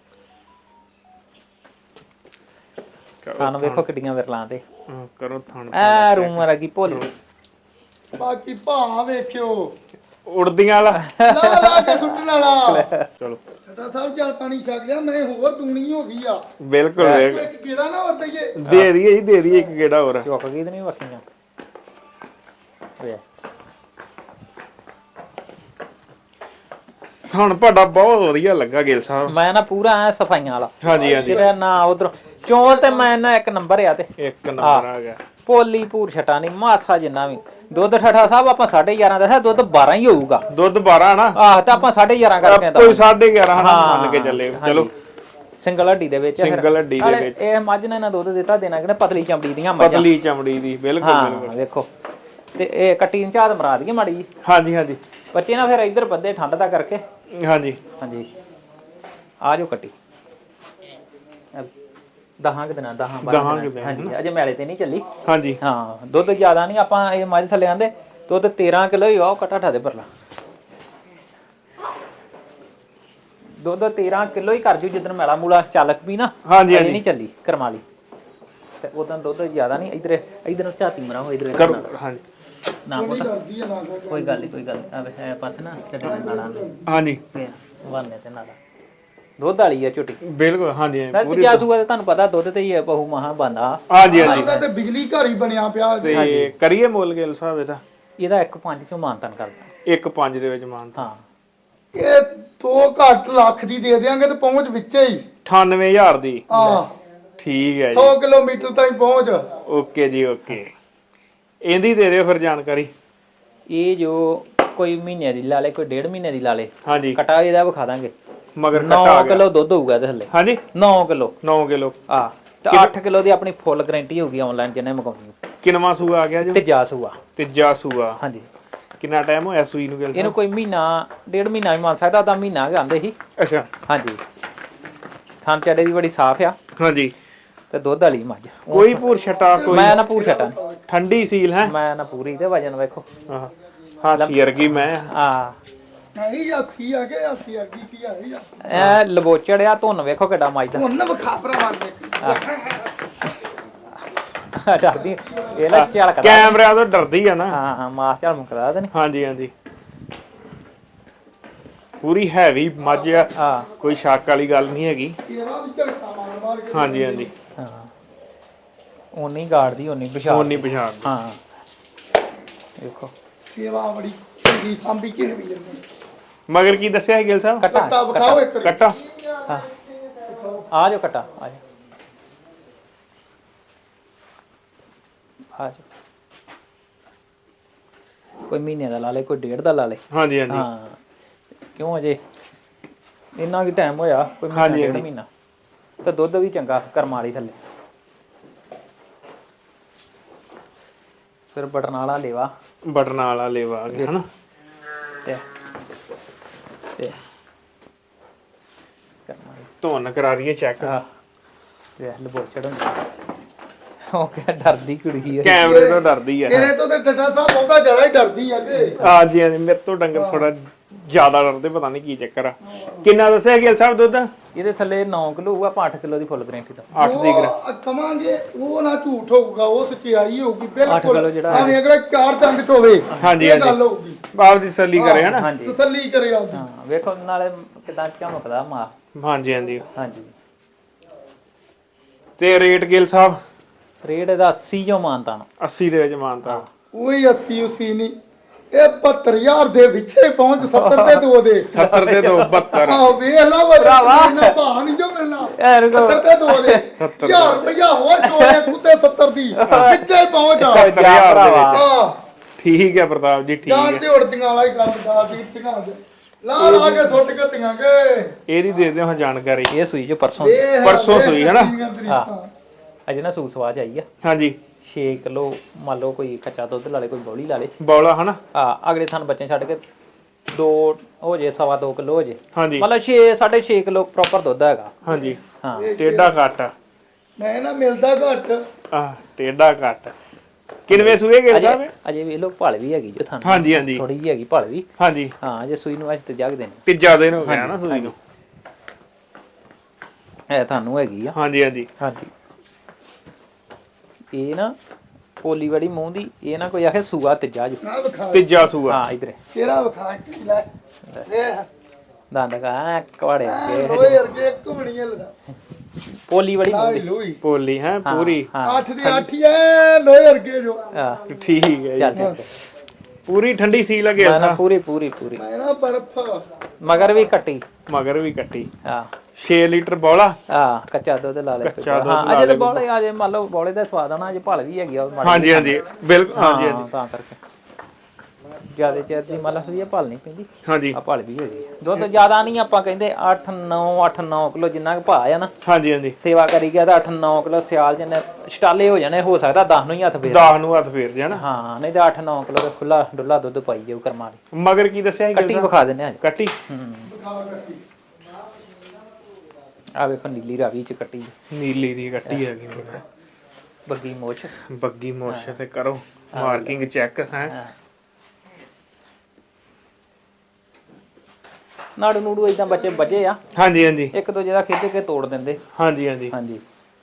S2: ਖਾਣ ਵੇਖੋ ਕਿੱਡੀਆਂ ਵਿਰਲਾਂ ਤੇ
S1: ਹਾਂ, ਕਰੋ ਥਣ
S2: ਐ ਰੂਮ ਵਰਗੀ ਭੋਲੀ
S3: ਬਾਕੀ ਭਾ ਵੇਖਿਓ
S1: ਉੜਦੀਆਂ ਵਾਲਾ
S3: ਲਾ ਲਾ ਕੇ ਸੁੱਟਣ ਵਾਲਾ
S1: ਚਲੋ
S3: ਸੱਟਾ ਸਾਹਿਬ ਜਲ ਪਾਣੀ ਛਕ ਲਿਆ ਮੈਂ ਹੋਰ ਦੂਣੀ ਹੋ ਗਈ ਆ
S1: ਬਿਲਕੁਲ ਬਿਲਕੁਲ।
S3: ਇੱਕ ਕੀੜਾ ਨਾ ਵਰ ਦਈਏ
S1: ਦੇ ਦਈਏ ਜੀ ਦੇ ਦਈਏ ਇੱਕ ਗੇੜਾ ਹੋਰ।
S2: ਚੁੱਕ ਗਈ ਤੇ ਨਹੀਂ ਵੱਖੀਆਂ ਵੇ
S1: ਥਣ ਤੁਹਾਡਾ ਬਹੁਤ ਵਧੀਆ ਲੱਗਾ ਗਿੱਲ ਸਾਹਿਬ।
S2: ਮੈਂ ਨਾ ਪੂਰਾ ਐ ਸਫਾਈਆਂ ਵਾਲਾ
S1: ਹਾਂਜੀ ਹਾਂਜੀ
S2: ਜਿਹੜਾ ਨਾ ਉਧਰ ਚੋਲ ਤੇ ਮੈਂ ਨਾ ਇੱਕ ਨੰਬਰ ਆ ਤੇ
S1: ਇੱਕ ਨੰਬਰ ਆ ਗਿਆ।
S2: ਪੋਲੀ ਭੂਰ ਛਟਾ ਨਹੀਂ ਮਾਸਾ ਜਿੰਨਾ ਵੀ ਦੁੱਧ ਠਾਠਾ ਸਾਹਿਬ ਆਪਾਂ ਸਾਢੇ ਗਿਆਰਾਂ ਦੱਸਿਆ ਦੁੱਧ ਬਾਰਾਂ ਹੀ ਹੋਊਗਾ
S1: ਦੁੱਧ ਬਾਰਾਂ ਨਾ
S2: ਆਹ ਤਾਂ ਆਪਾਂ ਸਾਢੇ ਗਿਆਰਾਂ ਕਰਕੇ ਤਾਂ
S1: ਕੋਈ ਸਾਢੇ ਗਿਆਰਾਂ ਹਨਾ ਮੰਨ ਕੇ ਚੱਲੇ। ਚਲੋ
S2: ਸਿੰਗਲ ਹੱਡੀ ਦੇ ਵਿੱਚ ਫਿਰ।
S1: ਸਿੰਗਲ ਹੱਡੀ ਦੇ
S2: ਨਾਲੇ
S1: ਵਿੱਚ
S2: ਇਹ ਮੱਝ ਨੇ ਨਾ ਦੁੱਧ ਦਿੱਤਾ ਦੇਣਾ ਕਿ ਪਤਲੀ ਚਮੜੀ ਦੀਆਂ ਮੱਝਾਂ
S1: ਪਤਲੀ ਚਮੜੀ ਦੀ ਬਿਲਕੁਲ
S2: ਹਾਂ
S1: ਬਿਲਕੁਲ।
S2: ਵੇਖੋ ਤੇ ਇਹ ਕੱਟੀ ਝਾਤ ਮਰਾ ਦਈਏ ਮਾੜੀ ਜੀ
S1: ਹਾਂਜੀ ਹਾਂਜੀ
S2: ਬੱਚੇ ਨਾ ਫਿਰ ਇੱਧਰ ਬੱਦੇ ਠੰਡ ਦਾ ਕਰਕੇ
S1: ਹਾਂਜੀ
S2: ਹਾਂਜੀ ਆ ਜਾਓ ਕੱਟੀ ਦਹਾਂ ਕਿ ਦਿਨਾਂ ਦਹਾਂ
S1: ਦਹਾਂ
S2: ਬਾਰਾਂ
S1: ਕੁ
S2: ਦਿਨਾਂ
S1: ਦਿਨ,
S2: ਹਾਂਜੀ ਅਜੇ ਮੈਲੇ ਤੇ ਨਹੀਂ ਚੱਲੀ
S1: ਹਾਂਜੀ
S2: ਹਾਂ ਦੁੱਧ ਜ਼ਿਆਦਾ ਨਹੀਂ ਆਪਾਂ ਇਹ ਮੱਝ ਥੱਲੇ ਆਂਦੇ ਦੁੱਧ ਤੇਰਾਂ ਕਿਲੋ ਹੀ ਆ ਉਹ ਕਟਾ ਠਾ ਦੇ ਪਰਲਾ ਦੁੱਧ ਤੇਰਾਂ ਕਿਲੋ ਹੀ ਕਰ ਜੂ ਜਿੱਦਣ ਮੈਲਾ ਮੂਲਾ ਚੱਲਕ ਵੀ ਨਾ
S1: ਹਾਂਜੀ,
S2: ਅਜੇ
S1: ਹਾਂਜੀ।
S2: ਨਹੀਂ ਚੱਲੀ ਕਰਮਾਲੀ ਤੇ ਉਦੋਂ ਦੁੱਧ ਜ਼ਿਆਦਾ ਨਹੀਂ ਇਧਰ ਇਧਰ ਝਾਤੀ ਮਰਾ ਹੋ ਇਧਰ
S1: ਕਰੋ ਹਾਂਜੀ
S2: ਨਾ
S3: ਕੋਈ
S2: ਪੁੱਤ
S3: ਡਰਦੀ ਆ ਨਾ ਕੋਈ
S2: ਕੋਈ ਗੱਲ ਨਹੀਂ ਕੋਈ ਗੱਲ ਨਹੀਂ ਆਵੇ ਹੈ ਪਾਸੇ ਨਾ ਛੱਡੀ ਨਾਲਾਂ
S1: ਹਾਂਜੀ
S2: ਵਾਨੇ ਤੇ ਨਾਲਾ ਦੁੱਧ ਵਾਲੀ ਆ ਝੋਟੀ
S1: ਬਿਲਕੁਲ ਹਾਂਜੀ ਹਾਂਜੀ,
S2: ਨਾਲ
S1: ਪੂਰੀ
S2: ਤੀਜਾ ਸੂਆ ਤੇ ਤੁਹਾਨੂੰ ਪਤਾ ਦੁੱਧ ਤੇ ਹੀ ਆ ਬਹੁ ਮਹਾ ਬੰਦਾ
S1: ਹਾਂਜੀ ਹਾਂਜੀ
S3: ਉਹਦਾ ਤੇ ਬਿਜਲੀ ਘਰ ਹੀ ਬਣਿਆ ਪਿਆ ਜੀ।
S1: ਤੇ ਕਰੀਏ ਮੁੱਲ ਗਿੱਲ ਸਾਹਿਬ ਇਹਦਾ
S2: ਇਹਦਾ ਇੱਕ ਪੰਜ ਚੋਂ ਮਾਨਤਨ ਕਰਦਾ
S1: ਇੱਕ ਪੰਜ ਦੇ ਵਿੱਚ ਮਾਨਤਾ
S2: ਹਾਂ
S3: ਇਹ ਤੋਂ ਘੱਟ ਲੱਖ ਦੀ ਦੇ ਦੇਾਂਗੇ ਤੇ ਪਹੁੰਚ ਵਿੱਚੇ ਹੀ
S1: ਅਠਾਨਵੇਂ ਹਜ਼ਾਰ ਦੀ
S3: ਆ
S1: ਠੀਕ ਹੈ ਜੀ
S3: ਸੌ ਕਿਲੋਮੀਟਰ ਤਾਈਂ ਪਹੁੰਚ
S1: ਓਕੇ ਜੀ ਓਕੇ। ਇਹਦੀ ਦੇ ਦਿਓ ਫਿਰ ਜਾਣਕਾਰੀ।
S2: ਇਹ ਜੋ ਕੋਈ ਮਹੀਨੇ ਦੀ ਲਾ ਲੇ ਕੋਈ ਡੇਢ ਮਹੀਨੇ ਦੀ ਲਾ ਲੇ
S1: ਹਾਂਜੀ
S2: ਕਟਾ ਇਹਦਾ ਵਿਖਾ ਦਾਂਗੇ
S1: ਮਗਰ ਕੱਟਾ ਆ
S2: ਨੌ
S1: ਗਿਆ
S2: ਕਿਲੋ ਦੁੱਧ ਹੋਊਗਾ ਇਹਦੇ ਥੱਲੇ
S1: ਹਾਂਜੀ
S2: ਨੌ ਕਿਲੋ
S1: ਨੌ ਕਿਲੋ
S2: ਆ ਤੇ ਅੱਠ ਕਿਲੋ ਦੀ ਆਪਣੀ ਫੁੱਲ ਗਾਰੰਟੀ ਹੋਊਗੀ ਆਨਲਾਈਨ ਜਿੰਨੇ ਮੰਗਾਉਣੀ
S1: ਕਿੰਨਵਾਂ ਸੂਆ ਆ ਗਿਆ ਜੀ
S2: ਤੇ ਜਾ ਸੂਆ
S1: ਤੀਜਾ ਸੂਆ
S2: ਹਾਂਜੀ
S1: ਕਿੰਨਾ ਟਾਈਮ ਹੋਇਆ ਸੂਈ ਨੂੰ ਗਿੱਲ
S2: ਇਹਨੂੰ ਕੋਈ ਮਹੀਨਾ ਡੇਢ ਮਹੀਨਾ ਵੀ ਮੰਨ ਸਕਦਾ ਤਾਂ ਮਹੀਨਾ ਗਾਂਦੇ ਸੀ
S1: ਸਾਹਿਬ? ਅੱਛਾ
S2: ਹਾਂਜੀ ਥਾਂ ਚੱਡੇ ਦੀ ਬੜੀ ਸਾਫ਼ ਆ
S1: ਹਾਂਜੀ
S2: ਤੇ ਦੁੱਧ ਵਾਲੀ ਮੱਝ
S1: ਕੋਈ ਭੂਰ ਛਟਾ ਕੋਈ
S2: ਮੈਂ ਨਾ ਪੂਰ ਛਟਾ
S1: ਠੰਡੀ ਸੀਲ ਹੈ
S2: ਮੈਂ ਨਾ ਪੂਰੀ ਤੇ ਵਜਨ ਵੇਖੋ
S1: ਹਾਂ ਹਾਸੀ ਵਰਗੀ ਮੈਂ
S2: ਆ
S3: ਨਹੀਂ ਹਾਥੀ ਆ ਕੇ ਹਾਥੀ ਆ ਗਈ ਕੀ ਆ ਰਹੀ ਆ
S2: ਐ ਲਬੋਚੜਿਆ ਧੁੰਨ ਵੇਖੋ ਕਿੱਡਾ ਮੱਝ ਦਾ
S3: ਹੁਣ ਨਾ ਵਿਖਾ ਭਰਾਵਾਂ ਨੇ
S2: ਡਰਦੀ ਇਹ ਨਾ ਝਲਕਦਾ
S1: ਕੈਮਰਿਆਂ ਤੋਂ ਡਰਦੀ ਆ ਨਾ।
S2: ਹਾਂ ਹਾਂ ਮਾਸ ਝਲ ਮੁਕਦਾ ਤੇ
S1: ਹਾਂਜੀ ਹਾਂਜੀ ਪੂਰੀ ਹੈਵੀ ਮੱਝ ਆ
S2: ਆ
S1: ਕੋਈ ਸ਼ੱਕ ਵਾਲੀ ਗੱਲ ਨਹੀਂ ਹੈਗੀ।
S3: ਇਹਦਾ ਵੀ ਝਲਕਾ ਮਾਰ ਮਾਰ ਕੇ
S1: ਹਾਂਜੀ ਹਾਂਜੀ
S2: ਹਾਂ ਉਨੀ ਗਾੜਦੀ ਉਨੀ ਪਛਾਣ
S1: ਹੁਣ ਨਹੀਂ ਪਛਾਣ
S2: ਹਾਂ ਦੇਖੋ
S3: ਸੇਵਾ ਬੜੀ ਚੰਗੀ ਸਾਂਭੀ ਕਿਸੇ ਵੀ ਜੰਨੇ
S1: ਮਗਰ ਕੀ ਦੱਸਿਆ ਹੈ ਗਿੱਲ ਸਾਹਿਬ?
S2: ਕੱਟਾ
S3: ਕੱਟਾ ਵਿਖਾਓ ਇੱਕ ਵਾਰੀ।
S1: ਕੱਟਾ
S2: ਹਾਂ ਆ ਜਾਓ ਕੱਟਾ ਆ ਜਾਓ ਆ ਜਾਓ ਕੋਈ ਮਹੀਨੇ ਦਾ ਲਾ ਲੇ ਕੋਈ ਡੇਢ ਦਾ ਲਾ ਲੇ
S1: ਹਾਂਜੀ ਹਾਂਜੀ
S2: ਹਾਂ ਕਿਉਂ ਅਜੇ ਇੰਨਾ ਕੀ ਟਾਈਮ ਹੋਇਆ ਕੋਈ ਮਹੀਨਾ
S1: ਹਾਂਜੀ,
S2: ਡੇਢ
S1: ਹਾਂਜੀ।
S2: ਮਹੀਨਾ ਤੇ ਦੁੱਧ ਵੀ ਚੰਗਾ ਕਰਮਾਂ ਵਾਲੀ ਥੱਲੇ ਫਿਰ ਬਟਨ ਵਾਲਾ ਲੇਵਾ
S1: ਬਟਨ ਵਾਲਾ ਲੇਵਾ ਆ ਗਿਆ ਹਨਾ।
S2: ਤੇ ਤੇ ਕਰਮਾਂ ਵਾਲੀ
S1: ਧੁੰਨ ਕਰਾ ਰਹੀਏ ਚੈੱਕ
S2: ਹਾਂ ਤੇ ਲਬੋਚੜ ਹੁੰਦਾ ਉਹ ਕਿਆ ਡਰਦੀ ਕੁੜੀ ਹੈ
S1: ਕੈਮਰੇ ਤੋਂ ਡਰਦੀ ਆ।
S3: ਤੇਰੇ ਤੋਂ ਤੇ ਟੱਟਾ ਸਾਹਿਬ ਬਹੁਤਾ ਜ਼ਿਆਦਾ ਹੀ ਡਰਦੀ ਆ ਕਿ
S1: ਹਾਂਜੀ ਹਾਂਜੀ ਮੇਰੇ ਤੋਂ ਡੰਗਰ ਥੋੜਾ ਜ਼ਿਆਦਾ ਡਰਦੇ ਪਤਾ ਨਹੀਂ ਕੀ ਚੱਕਰ ਆ। ਕਿੰਨਾ ਦੱਸਿਆ ਗਿੱਲ ਸਾਹਿਬ ਦੁੱਧ?
S2: ਇਹਦੇ ਥੱਲੇ ਨੌ ਕਿਲੋ ਹੋਊਗਾ, ਆਪਾਂ ਅੱਠ ਕਿਲੋ ਦੀ ਫੁੱਲ ਗਰੰਟੀ ਦਾ।
S1: ਅੱਠ ਦੀ ਗਰ
S3: ਜੋ ਕਵਾਂਗੇ ਉਹ ਨਾ ਝੂਠ ਹੋਊਗਾ, ਉਹ ਸੱਚਾਈ ਹੋਊਗੀ
S2: ਕਿਲੋ
S3: ਬਿਲਕੁਲ।
S2: ਜਿਹੜਾ
S3: ਭਾਵੇਂ ਅਗਲਾ ਚਾਰ ਚੰਗ ਚ ਹੋਵੇ,
S1: ਹਾਂਜੀ,
S3: ਇਹ
S1: ਹਾਂਜੀ।
S3: ਗੱਲ ਹੋਊਗੀ।
S1: ਬਾਪ ਦੀ ਤਸੱਲੀ ਕਰੇ ਹਨਾ।
S2: ਹਾਂਜੀ
S3: ਤਸੱਲੀ ਕਰੇ ਆਪਦੀ।
S2: ਹਾਂ ਵੇਖੋ ਨਾਲੇ ਕਿਦਾਂ ਝਮਕਦਾ ਮਾਂ।
S1: ਹਾਂਜੀ ਹਾਂਜੀ।
S2: ਹਾਂਜੀ
S1: ਤੇ ਰੇਟ ਗਿੱਲ ਸਾਹਿਬ
S2: ਰੇਟ ਇਹਦਾ ਅੱਸੀ ਚੋਂ ਮਾਨਤਾ ਨੂੰ।
S1: ਅੱਸੀ ਦੇ ਵਿੱਚ ਮਾਨਤਾ।
S3: ਉਹੀ ਅੱਸੀ ਉਸੀ ਨਹੀਂ, ਇਹ ਬਹੱਤਰ ਹਜ਼ਾਰ ਦੇ ਵਿੱਚੇ ਪਹੁੰਚ ਸੱਤਰ ਤੇ ਦੋ ਦੇ।
S1: ਸੱਤਰ ਦੇ ਦੋ ਬਹੱਤਰ।
S3: ਆਹ ਵੇਖ ਲਾ
S2: ਭਰਾਵਾ।
S3: ਇਹਨਾਂ ਭਾਅ ਨਹੀਂ ਜੋ ਮਿਲਣਾ।
S2: ਐ ਰੁਕੋ।
S3: ਸੱਤਰ ਤੇ ਦੋ ਦੇ
S1: ਸੱਤਰ
S3: ਹਜ਼ਾਰ ਰੁਪਇਆ ਹੋਰ ਜੋੜੇ ਕੁੱਤੇ ਸੱਤਰ ਦੀ ਵਿੱਚੇ ਪਹੁੰਚ ਆ।
S1: ਸੱਤਰ ਹਜ਼ਾਰ ਦੇ ਵਿੱਚ।
S3: ਆਹ
S1: ਠੀਕ ਹੈ ਪ੍ਰਤਾਪ ਜੀ, ਠੀਕ
S3: ਜਾਣ
S1: ਹੈ।
S3: ਤੇ ਉੜਦੀਆਂ ਵਾਲਾ ਹੀ ਕੰਮ ਦਾ ਦੀ ਧੀਆਂ ਦੇ ਲਾ ਲਾ ਕੇ ਸੁੱਟ ਕੇ ਧੀਆਂ ਕੇ।
S1: ਇਹਦੀ ਦੇ ਦਿਓ ਹਾਂ ਜਾਣਕਾਰੀ।
S2: ਇਹ ਸੂਈ ਜੋ ਪਰਸੋਂ
S3: ਵੇਖ
S1: ਪਰਸੋਂ
S3: ਵੇਖ
S1: ਸੂਈ ਹੈ ਨਾ?
S3: ਧੀਆਂ ਤਰੀਕਾਂ।
S2: ਅਜੇ ਨਾ ਸੂ ਸਵਾਜ ਆਈ ਆ।
S1: ਹਾਂਜੀ
S2: ਛੇ ਕਿਲੋ ਮੰਨ ਲਓ ਕੋਈ ਕੱਚਾ ਦੁੱਧ ਲਾ ਲੇ, ਕੋਈ ਬੌਲੀ ਲਾ ਲੇ।
S1: ਬੌਲਾ ਹਨਾ।
S2: ਹਾਂ ਅਗਲੇ ਥਾਨ ਬੱਚੇ ਛੱਡ ਕੇ ਦੋ ਹੋ ਜੇ, ਸਵਾ ਦੋ ਕਿਲੋ ਹੋ ਜੇ,
S1: ਹਾਂਜੀ
S2: ਮਤਲਬ ਛੇ ਸਾਢੇ ਛੇ ਕਿਲੋ ਪ੍ਰੋਪਰ ਦੁੱਧ ਹੈਗਾ।
S1: ਹਾਂਜੀ।
S2: ਹਾਂ
S1: ਟੇਡਾ ਕੱਟ
S3: ਮੈਂ ਨਾ ਮਿਲਦਾ ਘੱਟ।
S1: ਆ ਟੇਡਾ ਕੱਟ ਕਿੰਨਵੇਂ ਸੂਏ ਗਿੱਲ
S2: ਅਜੇ
S1: ਸਾਹਿਬ?
S2: ਅਜੇ ਵੀ ਲੋ ਭਲ ਵੀ ਹੈਗੀ ਜੋ ਥਾਨ।
S1: ਹਾਂਜੀ ਹਾਂਜੀ
S2: ਥੋੜੀ ਜਿਹੀ ਹੈਗੀ ਭਲ ਵੀ।
S1: ਹਾਂਜੀ।
S2: ਹਾਂ ਅਜੇ ਸੂਈ ਨੂੰ ਅੱਜ ਤੇ ਜਗਦੇ ਨੇ।
S1: ਤੀਜਾ ਦਿਨ ਹੋ ਗਿਆ ਨਾ ਸੂਈ ਨੂੰ।
S2: ਇਹ ਤੁਹਾਨੂੰ ਹੈਗੀ ਆ।
S1: ਹਾਂਜੀ ਹਾਂਜੀ।
S2: ਹਾਂਜੀ ਇਹ ਨਾ ਪੋਲੀ ਵਾਲੀ ਮੂੰਹ ਦੀ, ਇਹ ਨਾ ਕੋਈ ਆਖੇ ਸੂਆ ਤੀਜਾ ਜੋ।
S3: ਆ ਵਿਖਾ
S1: ਤੀਜਾ ਸੂਆ।
S2: ਹਾਂ ਇਧਰ
S3: ਚਿਹਰਾ ਵਿਖਾ ਕੇ ਲੈ ਵੇਖ
S2: ਦੰਦ ਕਾ ਕਵਾੜੇ
S3: ਐ
S2: ਅੱਗੇ
S3: ਲੋਏ ਵਰਗੇ ਇੱਕ ਵੀ ਨਹੀਂ ਹਿਲਦਾ।
S2: ਪੋਲੀ ਵਾਲੀ ਮੂੰਹ
S3: ਸਾਰੀ
S2: ਦੀ।
S3: ਲੋਈ
S1: ਪੋਲੀ ਹੈ
S2: ਹਾਂ,
S1: ਪੂਰੀ।
S2: ਹਾਂ
S3: ਅੱਠ ਦੀ ਅੱਠ ਹੀ ਐ ਲੋਏ ਵਰਗੇ ਜੋ।
S2: ਹਾਂ
S1: ਠੀਕ ਹੈ
S2: ਚੱਲ
S1: ਜੀ।
S2: ਚੱਲ
S1: ਪੂਰੀ ਠੰਡੀ ਸੀ ਲੱਗੇ
S2: ਮੈਂ ਨਾ ਪੂਰੀ ਪੂਰੀ ਪੂਰੀ
S3: ਮੈਂ ਨਾ ਬਰਫ
S2: ਮਗਰ ਵੀ ਕੱਟੀ।
S1: ਮਗਰ ਵੀ ਕੱਟੀ।
S2: ਹਾਂ
S1: ਛੇ ਲੀਟਰ ਬੌਲਾ।
S2: ਹਾਂ ਕੱਚਾ ਦੁੱਧ ਲਾ ਲੈ।
S1: ਕੱਚਾ ਦੁੱਧ
S2: ਹਾਂ
S1: ਲਾ
S2: ਅਜੇ
S1: ਲੈ।
S2: ਤਾਂ ਬੋਲੇ ਅਜੇ ਮੰਨ ਲਓ ਬੋਲੇ ਦਾ ਸਵਾਦ ਆਣਾ, ਅਜੇ ਭਲ ਵੀ ਹੈਗੀ ਆ ਮਾੜੀ
S1: ਹਾਂਜੀ ਹਾਂਜੀ ਬਿਲਕੁਲ। ਹਾਂਜੀ
S2: ਹਾਂ
S1: ਹਾਂਜੀ
S2: ਤਾਂ ਕਰਕੇ ਜਿਆਦਾ ਚਿਰ ਦੀ ਮੰਨ ਲਓ ਇਹ ਭਲ ਨਹੀਂ ਪੈਂਦੀ।
S1: ਹਾਂਜੀ
S2: ਆ ਭਲ ਵੀ ਹੈਗੀ ਆ। ਦੁੱਧ ਜ਼ਿਆਦਾ ਨਹੀਂ ਆਪਾਂ ਕਹਿੰਦੇ ਅੱਠ ਨੌ ਅੱਠ ਨੌ ਕਿਲੋ ਜਿੰਨਾ ਕੁ ਭਾਅ ਆ ਨਾ।
S1: ਹਾਂਜੀ ਹਾਂਜੀ।
S2: ਸੇਵਾ ਕਰੀ ਗਿਆ ਤਾਂ ਅੱਠ ਨੌ ਕਿਲੋ ਸਿਆਲ ਜਿੰਨੇ ਛਟਾਲੇ ਹੋ ਜਾਣੇ, ਹੋ ਸਕਦਾ ਦਸ ਨੂੰ ਹੀ ਹੱਥ ਫੇਰ।
S1: ਦਸ ਨੂੰ ਹੱਥ ਫੇਰ ਜਾਣਾ।
S2: ਹਾਂ ਨਹੀਂ ਤਾਂ ਅੱਠ ਨੌ ਕਿਲੋ ਦਾ ਖੁੱਲਾ ਡੁੱਲਾ ਦੁੱਧ ਪਾਈ ਜਾਊ ਕਰਮਾਂ ਦੀ।
S1: ਮਗਰ ਕੀ ਦੱਸਿਆ ਸੀ?
S2: ਕੱਟੀ ਵਿਖਾ ਦਿੰਦੇ ਆ ਅੱਜ।
S1: ਕੱਟੀ।
S2: ਹੂੰ
S3: ਵਿਖਾ ਕੱਟੀ।
S2: ਆ ਵੇਖੋ ਨੀਲੀ ਰਾਵੀ ਚ ਕੱਟੀ
S1: ਨੀਲੀ ਦੀ ਕੱਟੀ ਹੈਗੀ ਮਗਰ।
S2: ਬੱਗੀ ਮੋਛ।
S1: ਬੱਗੀ ਮੋਸ਼ ਤੇ ਕਰੋ ਮਾਰਕਿੰਗ ਚੈੱਕ ਹੈ।
S2: ਹਾਂ ਨਾੜੂ ਨੂੜੂ ਇਦਾਂ ਬੱਚੇ ਵੱਜੇ ਆ,
S1: ਹਾਂਜੀ ਹਾਂਜੀ।
S2: ਇੱਕ ਦੂਜੇ ਦਾ ਖਿੱਚ ਕੇ ਤੋੜ ਦਿੰਦੇ।
S1: ਹਾਂਜੀ ਹਾਂਜੀ।
S2: ਹਾਂਜੀ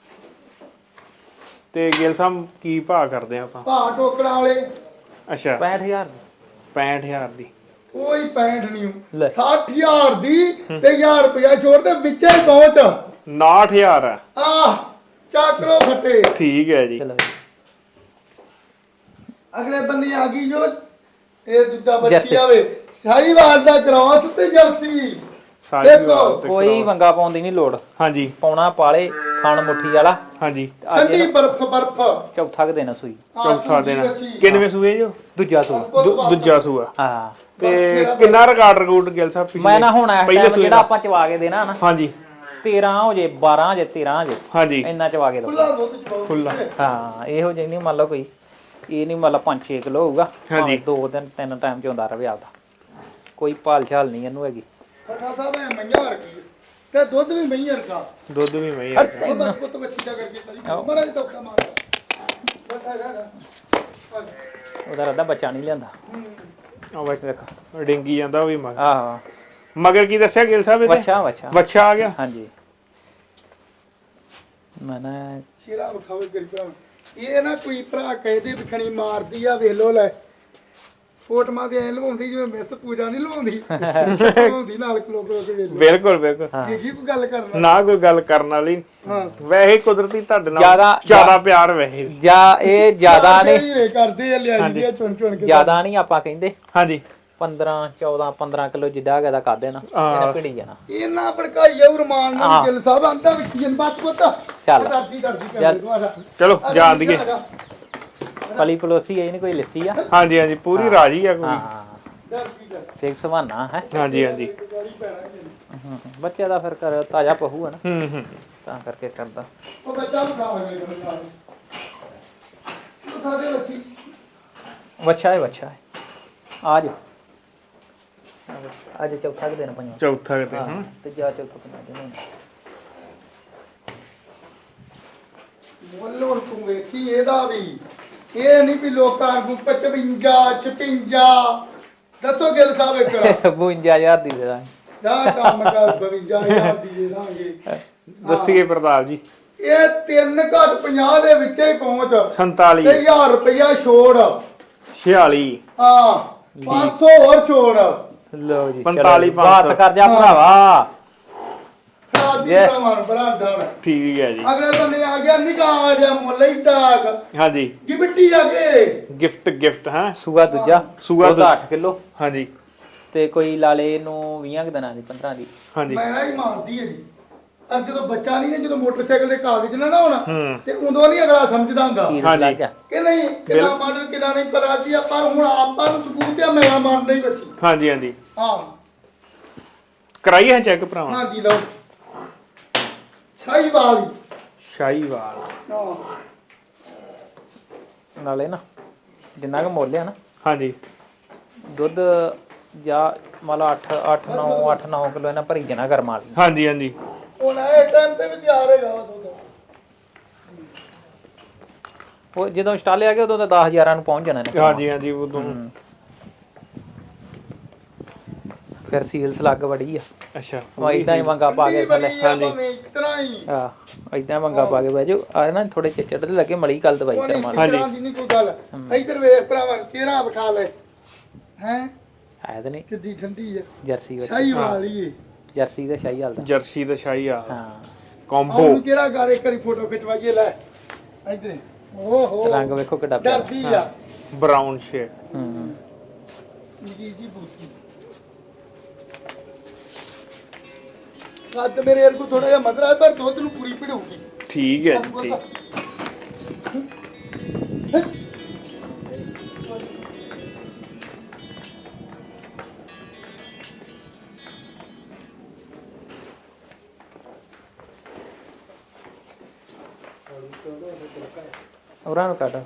S1: ਤੇ ਗਿੱਲ ਸਾਹਿਬ ਕੀ ਭਾਅ ਕਰਦੇ ਆ ਆਪਾਂ?
S3: ਭਾਅ ਟੋਕਰਾਂ ਵਾਲੇ
S1: ਅੱਛਾ
S2: ਪੈਂਹਠ ਹਜ਼ਾਰ
S1: ਪੈਂਹਠ ਹਜ਼ਾਰ ਦੀ।
S3: ਕੋਈ ਪੈਂਹਠ ਨਹੀਂ
S2: ਲੈ।
S3: ਸੱਠ ਹਜ਼ਾਰ ਦੀ ਤੇ ਹਜ਼ਾਰ ਰੁਪਇਆ ਛੋੜ ਤੇ ਵਿੱਚੇ ਹੀ ਪਹੁੰਚ।
S1: ਉਨਾਹਠ ਹਜ਼ਾਰ ਆ।
S3: ਆਹ ਚੱਕ ਲੋ ਫੱਟੇ।
S1: ਠੀਕ ਹੈ ਜੀ।
S2: ਚਲੋ
S3: ਅਗਲੇ ਬੰਦੇ ਆ ਗਈ ਜੋ ਇਹ ਦੂਜਾ ਬੱਚੀ
S2: ਜਰਸੀ।
S3: ਆਵੇ ਸ਼ਾਹੀਵਾਲ ਦਾ ਕ੍ਰਾਸ ਤੇ ਜਰਸੀ।
S1: ਸਾਰੀ
S3: ਦੇਖੋ,
S1: ਵਾਰ ਤੇ
S2: ਕੋਈ
S1: ਕਰੋ।
S2: ਵੰਗਾ ਪਾਉਣ ਦੀ ਨਹੀਂ ਲੋੜ।
S1: ਹਾਂਜੀ
S2: ਪਾਉਣਾ ਪਾਲੇ ਖਾਣ ਮੁੱਠੀ ਵਾਲਾ।
S1: ਹਾਂਜੀ।
S2: ਅੱਜ
S3: ਠੰਡੀ
S2: ਇਹਦਾ
S3: ਬਰਫ ਬਰਫ।
S2: ਚੌਥਾ ਕੁ ਦਿਨ ਸੂਈ।
S3: ਆਹ
S1: ਚੌਥਾ
S3: ਚੰਗੀ
S1: ਦਿਨ
S3: ਬੱਚੀ।
S1: ਕਿੰਨਵੇਂ ਸੂਏ ਜੋ?
S2: ਦੂਜਾ ਸੂਈ।
S1: ਦੂ- ਦੂਜਾ ਸੂਆ।
S2: ਹਾਂ
S1: ਤੇ ਕਿੰਨਾ ਰਿਕਾਰਡ ਰਿਕਾਰਡ ਗਿੱਲ ਸਾਹਿਬ ਪਿਛਲੇ?
S2: ਮੈਂ ਨਾ ਹੁਣ ਇਸ
S1: ਪਹਿਲੇ
S2: ਟਾਈਮ
S1: ਸੂਏ
S2: ਜਿਹੜਾ
S1: ਦਾ?
S2: ਆਪਾਂ ਚਵਾ ਕੇ ਦੇਣਾ ਨਾ
S1: ਹਾਂਜੀ
S2: ਤੇਰਾਂ ਹੋ ਜੇ ਬਾਰਾਂ ਹੋ ਜੇ ਤੇਰਾਂ ਹੋ ਜੇ
S1: ਹਾਂਜੀ।
S2: ਇੰਨਾ ਚਵਾ ਕੇ ਦੋ।
S3: ਖੁੱਲਾ ਦੁੱਧ ਚਵਾਓ।
S1: ਖੁੱਲਾ।
S2: ਹਾਂ ਇਹੋ ਜਿਹੀ ਨਹੀਂ ਮੰਨ ਲਓ ਕੋਈ ਇਹ ਨਹੀਂ ਮੰਨ ਲਾ ਪੰਜ ਛੇ ਕਿਲੋ ਹੋਊਗਾ।
S1: ਹਾਂਜੀ।
S2: ਭਾਵੇਂ ਦੋ ਦਿਨ ਤਿੰਨ ਟਾਈਮ ਚ ਹੁੰਦਾ ਰਵੇ ਆਪਦਾ, ਕੋਈ ਭਾਲ ਛਾਲ ਨਹੀਂ ਇਹਨੂੰ ਹੈਗੀ।
S3: ਠੱਠਾ ਸਾਹਿਬ ਐ ਮਈਆਂ ਰਖੀ ਤੇ ਦੁੱਧ ਵੀ ਮਈਆਂ ਰਖਾ।
S1: ਦੁੱਧ ਵੀ ਮਈ
S3: ਉਹ ਬਸ ਪੁੱਤ ਬੱਚੀ ਦਾ ਕਰਕੇ ਕਰੀ ਬੜਾ ਜਿਹਾ ਧੱਕਾ ਮਾਰਦਾ। ਬਸ ਆ ਜਾ
S2: ਉਹਦਾ ਰੱਦਾ ਬੱਚਾ ਨਹੀਂ ਲਿਆਂਦਾ।
S1: ਆ ਵੇਖ ਡਿੰਗੀ ਜਾਂਦਾ ਉਹ ਵੀ ਮਗਰ।
S2: ਆਹੋ
S1: ਮਗਰ ਕੀ ਦੱਸਿਆ ਗਿੱਲ ਸਾਹਿਬ ਇਹਦੇ?
S2: ਵੱਛਾ ਵੱਛਾ
S1: ਬੱਚਾ ਆ ਗਿਆ।
S2: ਹਾਂਜੀ ਮੈਂ ਨਾ
S3: ਸ਼ੇਰਾ ਵਿਖਾਵੇ ਗਰੀਬਾਂ ਨੂੰ। ਇਹ ਨਾ ਕੋਈ ਭਰਾ ਕਹਿੰਦੇ ਵਿਖਣੀ ਮਾਰਦੀ ਆ ਵੇਖ ਲੋ ਲੈ ਫੋਟੋਆਂ ਤੇ ਐ ਲਵਾਉਂਦੀ ਜਿਵੇਂ ਮਿਸ ਪੂਜਾ ਨਹੀਂ ਲਵਾਉਂਦੀ ਲਵਾਉਂਦੀ ਨਾਲ ਖਲੋ ਖਲੋ ਕੇ ਵੇਖ ਲੋ।
S1: ਬਿਲਕੁਲ ਬਿਲਕੁਲ।
S3: ਕੀ ਕੀ ਕੋਈ ਗੱਲ ਕਰਨਾ।
S1: ਨਾ ਕੋਈ ਗੱਲ ਕਰਨ ਵਾਲੀ।
S3: ਹਾਂ
S1: ਵੈਸੇ ਕੁਦਰਤੀ ਤੁਹਾਡੇ ਨਾਲ
S2: ਜ਼ਿਆਦਾ-
S1: ਜ਼ਿਆਦਾ ਪਿਆਰ ਵੈਸੇ ਵੀ।
S2: ਜਾਂ ਇਹ ਜ਼ਿਆਦਾ ਨੇ
S3: ਹੀਰੇ ਕਰਦੇ ਆ ਲਿਆਈ ਦੀ ਆ ਚੁਣ ਚੁਣ ਕੇ।
S2: ਜ਼ਿਆਦਾ ਨਹੀਂ ਆਪਾਂ ਕਹਿੰਦੇ
S1: ਹਾਂਜੀ
S2: ਪੰਦਰਾਂ ਚੌਦਾਂ ਪੰਦਰਾਂ ਕਿਲੋ ਜਿੱਡਾ ਹੈਗਾ ਦਾ ਕਰ ਦੇਣਾ
S1: ਹਾਂ।
S2: ਇਹਨੇ ਭਿੜੀ ਜਾਣਾ।
S3: ਇਹਨਾਂ ਭੜਕਾਈ ਜਾਊ ਰਮਾਨ ਨਾਲ
S2: ਹਾਂ।
S3: ਗਿੱਲ ਸਾਹਿਬ ਆਂਦਾ ਵੀ ਕੀ ਬਾਤ ਪਤਾ
S2: ਚੱਲ।
S3: ਡਰਦੀ ਡਰਦੀ
S2: ਚੱਲ।
S3: ਕਰ
S1: ਚਲੋ ਜਾਣ ਦੀਏ।
S2: ਪਲੀ ਪਲੋਸੀ ਇਹ ਨਹੀਂ ਕੋਈ ਲੱਸੀ ਆ।
S1: ਹਾਂਜੀ ਹਾਂਜੀ ਪੂਰੀ ਰਾਜੀ ਆ ਕੋਈ।
S2: ਹਾਂ
S3: ਡਰਦੀ ਕਰ
S2: ਦੇਖ ਸਵਾਨਾ ਹੈ।
S1: ਹਾਂਜੀ ਹਾਂਜੀ।
S2: ਹੂੰ, ਬੱਚੇ ਦਾ ਫਿਰ ਕਰ ਤਾਜ਼ਾ ਪਹੂ ਹੈ ਨਾ
S1: ਹੂੰ ਹੂੰ।
S2: ਤਾਂ ਕਰਕੇ ਕਰਦਾ।
S3: ਉਹ ਬੱਚਾ ਬਖਾਵੇ ਬੱਚਾ ਉਹ ਸਾਡੇ ਬੱਚੀ
S2: ਵੱਛਾ ਹੈ ਵੱਛਾ ਹੈ ਆ ਜਾ ਅੱਜ ਚੌਥਾ ਕੁ ਦਿਨ ਪੰਜਵਾਂ।
S1: ਚੌਥਾ ਕਿਤੇ
S2: ਹਾਂ
S1: ਹੂੰ।
S2: ਤੇ ਜਾ ਚੌਥਾ ਪੰਜਵਾਂ ਦਿਨ
S3: ਮੁੱਲੋਂ ਤੂੰ ਵੇਖੀ ਇਹਦਾ ਵੀ ਇਹ ਨਹੀਂ ਵੀ ਲੋਕਾਂ ਨੂੰ ਪਚਵੰਜਾ ਛਪੰਜਾ ਦੱਸੋ ਗਿੱਲ ਸਾਹਿਬ ਇੱਕ
S2: ਬਵੰਜਾ ਹਜ਼ਾਰ ਦੀ ਦੇ ਦਾਂਗੇ।
S3: ਜਾ ਕੰਮ ਕਰ ਬਵੰਜਾ ਹਜ਼ਾਰ ਦੀ ਦੇ ਦਾਂਗੇ।
S1: ਦੱਸੀਏ ਪ੍ਰਤਾਪ ਜੀ
S3: ਇਹ ਤਿੰਨ ਘੱਟ ਪੰਜਾਹ ਦੇ ਵਿੱਚ ਹੀ ਪਹੁੰਚ
S1: ਸੰਤਾਲੀ
S3: ਤੇ ਹਜ਼ਾਰ ਰੁਪਇਆ ਛੋੜ
S1: ਛਿਆਲੀ
S3: ਹਾਂ ਪੰਜ ਸੌ ਹੋਰ ਛੋੜ
S2: ਲਓ ਜੀ
S1: ਪੰਤਾਲੀ,
S2: ਚਲੋ, ਬਾਤ
S1: ਪੰਜ ਸੌ।
S2: ਕਰ ਜਾ ਭਰਾਵਾ।
S3: ਸਾਦੀ
S2: Yeah.
S3: ਭਰਾਵਾਂ ਬਰਾਦਰ
S1: ਠੀਕ ਹੈ ਜੀ
S3: ਅਗਲੇ ਬੰਨੇ ਆ ਗਿਆ ਨਿਕਾਹ ਜਿਹਾ ਮੁੱਲ ਹੀ ਡਾਕ
S1: ਹਾਂਜੀ
S3: ਗਿਫਟੀ ਆ ਕੇ
S1: ਗਿਫਟ ਗਿਫਟ ਹੈ
S2: ਸੂਆ ਦੂਜਾ
S1: ਸੂਆ
S2: ਦੁੱਧ
S1: ਦੂਜਾ।
S2: ਅੱਠ ਕਿਲੋ
S1: ਹਾਂਜੀ
S2: ਤੇ ਕੋਈ ਲਾਲੇ ਨੂੰ ਵੀਹ ਕੁ ਦਿਨਾਂ ਦੀ ਪੰਦਰਾਂ ਦੀ।
S1: ਹਾਂਜੀ
S3: ਮੈਂ ਨਾ ਹੀ ਮਾਰਦੀ ਹੈ ਜੀ ਪਰ ਜਦੋਂ ਬੱਚਾ ਨਹੀਂ ਨੇ ਜਦੋਂ ਮੋਟਰਸਾਈਕਲ ਦੇ ਕਾਗਜ਼ ਨਾ ਨਾ ਹੋਣਾ
S1: ਹੂੰ
S3: ਤੇ ਉਦੋਂ ਨਹੀਂ ਅਗਲਾ ਸਮਝਦਾ ਹੁੰਦਾ
S2: ਕੀ
S1: ਹਾਂਜੀ।
S2: ਲੱਗ ਗਿਆ
S3: ਕਿ ਨਹੀਂ ਕਿੰਨਾ ਮਾਡਲ ਕਿੰਨਾ ਨਹੀਂ ਪਤਾ ਕੀ ਆ ਪਰ ਹੁਣ ਆਪਾਂ ਨੂੰ ਸਬੂਤ ਆ ਮੇਰਾ ਮਾਰ ਨਹੀਂ ਬੱਚੀ
S1: ਹਾਂਜੀ ਹਾਂਜੀ
S3: ਹਾਂ
S1: ਕਰਾਈ ਹੈ ਚੈੱਕ ਭਰਾਵਾ
S3: ਹਾਂ ਜੀ ਲਓ ਛਾਈ ਵਾਲੀ
S1: ਸ਼ਾਹੀਵਾਲ
S3: ਹਾਂ
S2: ਨਾਲੇ ਨਾ ਜਿੰਨਾ ਕੁ ਮੁੱਲ ਆ ਨਾ
S1: ਹਾਂਜੀ
S2: ਦੁੱਧ ਜਾਂ ਮੰਨ ਲਓ ਅੱਠ ਅੱਠ ਨੌ ਅੱਠ ਨੌ ਕਿਲੋ ਇਹਨਾਂ ਭਰੀ ਜਣਾ ਕਰਮਾ ਲਈ।
S1: ਹਾਂਜੀ ਹਾਂਜੀ
S3: ਹੁਣ ਇਹ ਟਾਈਮ ਤੇ ਵੀ ਤਿਆਰ ਹੈਗਾ ਵਾ ਦੁੱਧ
S2: ਉਹ ਜਦੋਂ ਸਟਾਲੇ ਆ ਗਏ ਉਦੋਂ ਤਾਂ ਦਸ ਹਜ਼ਾਰਾਂ ਨੂੰ ਪਹੁੰਚ ਜਾਣਾ ਨੇ
S1: ਹਾਂਜੀ ਹਾਂਜੀ ਉਦੋਂ
S2: ਹੂੰ। ਫਿਰ ਸੀਲਸ ਲੱਗ ਵੜੀ ਆ
S1: ਅੱਛਾ
S2: ਉਹ ਇਦਾਂ ਹੀ ਵੰਗਾ ਪਾ ਕੇ ਥੱਲੇ
S3: ਹਾਂਜੀ ਇਤਨਾ ਹੀ
S2: ਆ ਇਦਾਂ ਵੰਗਾ ਪਾ ਕੇ ਬਹਿ ਜਾਓ ਆ ਨਾ ਥੋੜੇ ਚਿੱਚੜ ਤੇ ਲੱਗੇ ਮਲੀ ਕੱਲ ਦਵਾਈ
S3: ਉਹ ਨਹੀਂ
S2: ਕਰਮਾ
S1: ਹਾਂਜੀ।
S3: ਹਾਂਜੀ ਨਹੀਂ ਕੋਈ ਗੱਲ ਇੱਧਰ ਵੇਖ ਭਰਾਵਾਂ ਚਿਹਰਾ ਵਿਖਾ ਲੈ ਹੈ
S2: ਹੈ ਤੇ ਨਹੀਂ
S3: ਕਿੱਡੀ ਠੰਡੀ ਹੈ
S2: ਜਰਸੀ ਵਿੱਚ
S3: ਸ਼ਾਹੀ ਵਾਲੀ ਹੈ
S2: ਜਰਸੀ ਦਾ ਸ਼ਾਹੀ ਹਾਲ ਦਾ
S1: ਜਰਸੀ ਤੇ ਸ਼ਾਹੀਵਾਲ
S2: ਹਾਂ
S1: ਕੰਬੋ
S3: ਉਹਨੂੰ ਚਿਹਰਾ ਕਰ ਇੱਕ ਵਾਰੀ ਫੋਟੋ ਖਿਚਵਾਈਏ ਲੈ ਇੱਧਰ ਓਹੋ
S2: ਰੰਗ ਵੇਖੋ ਕਿੱਡਾ ਪਿਆਰਾ।
S3: ਡਰਦੀ ਆ
S1: ਬਰਾਊਨ ਸ਼ੇਡ
S2: ਹੂੰ
S3: ਜੀ ਜੀ ਬੂਤੀ ਕੱਦ ਮੇਰੇ ਵਰਗੂ ਥੋੜਾ ਜਿਹਾ ਮਦਰਾ ਹੈ ਪਰ ਦੁੱਧ ਨੂੰ ਪੂਰੀ ਭਿੜੂਗੀ
S1: ਠੀਕ ਹੈ ਜੀ ਠੀਕ
S2: ਉਹਨਾਂ ਨੂੰ ਕੱਢ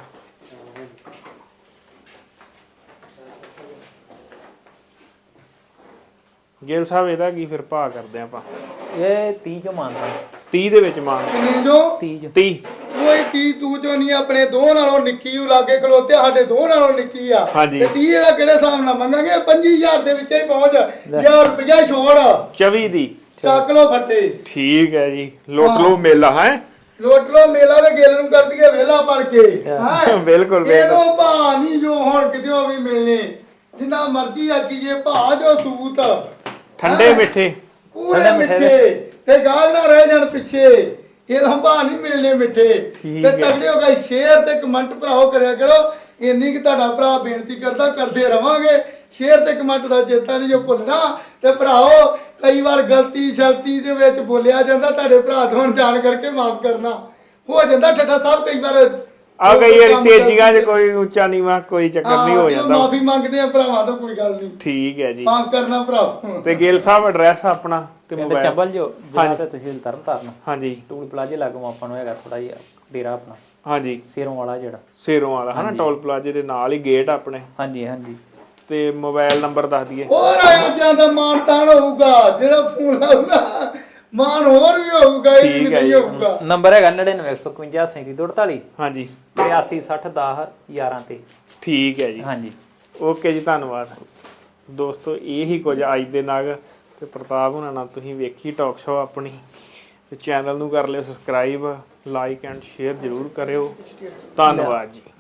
S1: ਗਿੱਲ ਸਾਹਿਬ ਇਹਦਾ ਕੀ ਫਿਰ ਭਾਅ ਕਰਦੇ ਆਪਾਂ
S2: ਇਹ ਤੀਹ ਚੋਂ ਮੰਨਦਾ
S1: ਤੀਹ ਦੇ ਵਿੱਚ ਮੰਗ
S3: ਕਿੰਨੇ ਜੋ
S2: ਤੀਹ ਚੋਂ
S1: ਤੀਹ
S3: ਕੋਈ ਕੀ ਤੂੰ ਜੋ ਨਹੀਂ ਆਪਣੇ ਦੋ ਨਾਲੋਂ ਨਿੱਕੀ ਉਹ ਲਾਗੇ ਖਲੋਤੇ ਸਾਡੇ ਦੋ ਨਾਲੋਂ ਨਿੱਕੀ ਆ
S1: ਹਾਂਜੀ।
S3: ਤੇ ਤੀਹ ਦਾ ਕਿਹੜੇ ਹਿਸਾਬ ਨਾਲ ਮੰਗਾਂਗੇ ਪੰਜੀ ਹਜ਼ਾਰ ਦੇ ਵਿੱਚ ਹੀ ਪਹੁੰਚ ਹਜ਼ਾਰ ਰੁਪਇਆ ਛੋੜ
S1: ਚੌਵੀ ਦੀ
S3: ਚੱਕ ਲੋ ਫੱਟੇ
S1: ਠੀਕ ਹੈ ਜੀ ਲੁੱਟ ਲਓ ਮੇਲਾ ਹੈ
S3: ਲੋਟ ਲੋ ਮੇਲਾ ਦੇ ਗੇਲ ਨੂੰ ਕਰ ਦਈਏ ਵੇਲਾ ਪੜ ਕੇ ਹੈਂ?
S1: ਬਿਲਕੁਲ ਬਿਲਕੁਲ
S3: ਇਹਨੂੰ ਭਾ ਨਹੀਂ ਜੋ ਹੁਣ ਕਿਤੇ ਵੀ ਮਿਲਨੇ ਜਿੰਨਾ ਮਰਜ਼ੀ ਆਖੀਏ ਭਾ ਜੋ ਸੂਤ
S1: ਠੰਡੇ ਮਿੱਠੇ
S3: ਪੂਰੇ
S2: ਠੰਡੇ ਮਿੱਠੇ
S3: ਮਿੱਠੇ ਤੇ ਗਾਲ ਨਾ ਰਹਿ ਜਾਣ ਪਿੱਛੇ ਇਹਦਾ ਭਾ ਨਹੀਂ ਮਿਲਨੇ ਮਿੱਠੇ
S1: ਠੀਕ
S3: ਤੇ
S1: ਹੈ।
S3: ਤਗੜੇ ਹੋ ਗਏ ਸ਼ੇਅਰ ਤੇ ਕਮੈਂਟ ਭਰਾਓ ਕਰਿਆ ਕਰੋ ਇੰਨੀ ਕਿ ਤੁਹਾਡਾ ਭਰਾ ਬੇਨਤੀ ਕਰਦਾ ਕਰਦੇ ਰਵਾਂਗੇ ਸ਼ੇਅਰ ਤੇ ਕਮੈਂਟ ਦਾ ਚੇਤਾ ਨਹੀਂ ਜੋ ਭੁੱਲਣਾ ਤੇ ਭਰਾਓ ਕਈ ਵਾਰ ਗਲਤੀ ਸ਼ਲਤੀ ਦੇ ਵਿੱਚ ਬੋਲਿਆ ਜਾਂਦਾ ਤੁਹਾਡੇ ਭਰਾ ਤੋਂ ਜਾਣ ਕਰਕੇ ਮਾਫ ਕਰਨਾ ਹੋ ਜਾਂਦਾ ਠੱਠਾ ਸਾਹਿਬ ਕਈ ਵਾਰ
S1: ਆ ਗਈ ਯਾਰ ਤੇਜ਼ੀਆਂ 'ਚ ਕੋਈ ਉੱਚਾ ਨੀਵਾਂ ਕੋਈ ਚੱਕਰ ਨਹੀਂ ਹੋ ਜਾਂਦਾ
S3: ਮਾਫੀ ਮੰਗਦੇ ਆ ਭਰਾਵਾਂ ਤੋਂ ਕੋਈ ਗੱਲ ਨਹੀਂ
S1: ਠੀਕ ਹੈ ਜੀ
S3: ਮਾਫ ਕਰਨਾ ਭਰਾ
S1: ਤੇ ਗਿੱਲ ਸਾਹਿਬ ਐਡਰੈਸ ਆਪਣਾ ਤੇ
S2: ਪਿੰਡ
S1: ਮੋਬਾਈਲ
S2: ਚੰਬਲ ਜੋ ਜ਼ਿਲ੍ਹਾ ਤੇ ਤਹਿਸੀਲ ਤਰਨਤਾਰਨ
S1: ਹਾਂਜੀ
S2: ਟੂਲ ਪਲਾਜ਼ੇ ਲਾਗੋਂ ਆਪਾਂ ਨੂੰ ਹੈਗਾ ਥੋੜਾ ਜਿਹਾ ਡੇਰਾ ਆਪਣਾ
S1: ਹਾਂਜੀ
S2: ਸੇਰੋਂ ਵਾਲਾ ਜਿਹੜਾ
S1: ਸੇਰੋਂ ਵਾਲਾ ਹਨਾ ਟੋਲ ਪਲਾਜ਼ੇ ਦੇ ਨਾਲ ਹੀ ਗੇਟ ਆਪਣੇ
S2: ਹਾਂਜੀ ਹਾਂਜੀ
S1: ਤੇ ਮੋਬਾਈਲ ਨੰਬਰ ਦੱਸ ਦਈਏ
S3: ਹੋਰ ਆਇਆ ਜਾਂਦਾ ਮਾਨ ਤਾਨ ਹੋਊਗਾ ਜਿਹੜਾ ਫੋਨ ਆਊਗਾ ਮਾਨ ਹੋਰ ਵੀ ਹੋਊਗਾ ਇਹ
S1: ਠੀਕ ਹੈ
S3: ਨਹੀਂ
S1: ਜੀ।
S3: ਹੋਊਗਾ
S2: ਨੰਬਰ ਹੈਗਾ ਨੜਿਨਵੇਂ ਇੱਕ ਸੌ ਇਕਵੰਜਾ ਸੈਂਤੀ ਦੋ ਅੜਤਾਲੀ
S1: ਹਾਂਜੀ
S2: ਤਰਿਆਸੀ ਸੱਠ ਦਸ ਗਿਆਰਾਂ ਤੇ
S1: ਠੀਕ ਹੈ ਜੀ
S2: ਹਾਂਜੀ
S1: ਓਕੇ ਜੀ ਧੰਨਵਾਦ ਦੋਸਤੋ ਇਹ ਹੀ ਕੁਝ ਅੱਜ ਦੇ ਨਗ ਤੇ ਪ੍ਰਤਾਪ ਹੁਣਾਂ ਨਾਲ ਤੁਸੀਂ ਵੇਖੀ ਟਾਕ ਸ਼ੋ ਆਪਣੀ ਤੇ ਚੈਨਲ ਨੂੰ ਕਰ ਲਿਓ ਸਬਸਕ੍ਰਾਈਬ ਲਾਈਕ ਐਂਡ ਸ਼ੇਅਰ ਜ਼ਰੂਰ ਕਰਿਓ ਧੰਨਵਾਦ ਜੀ।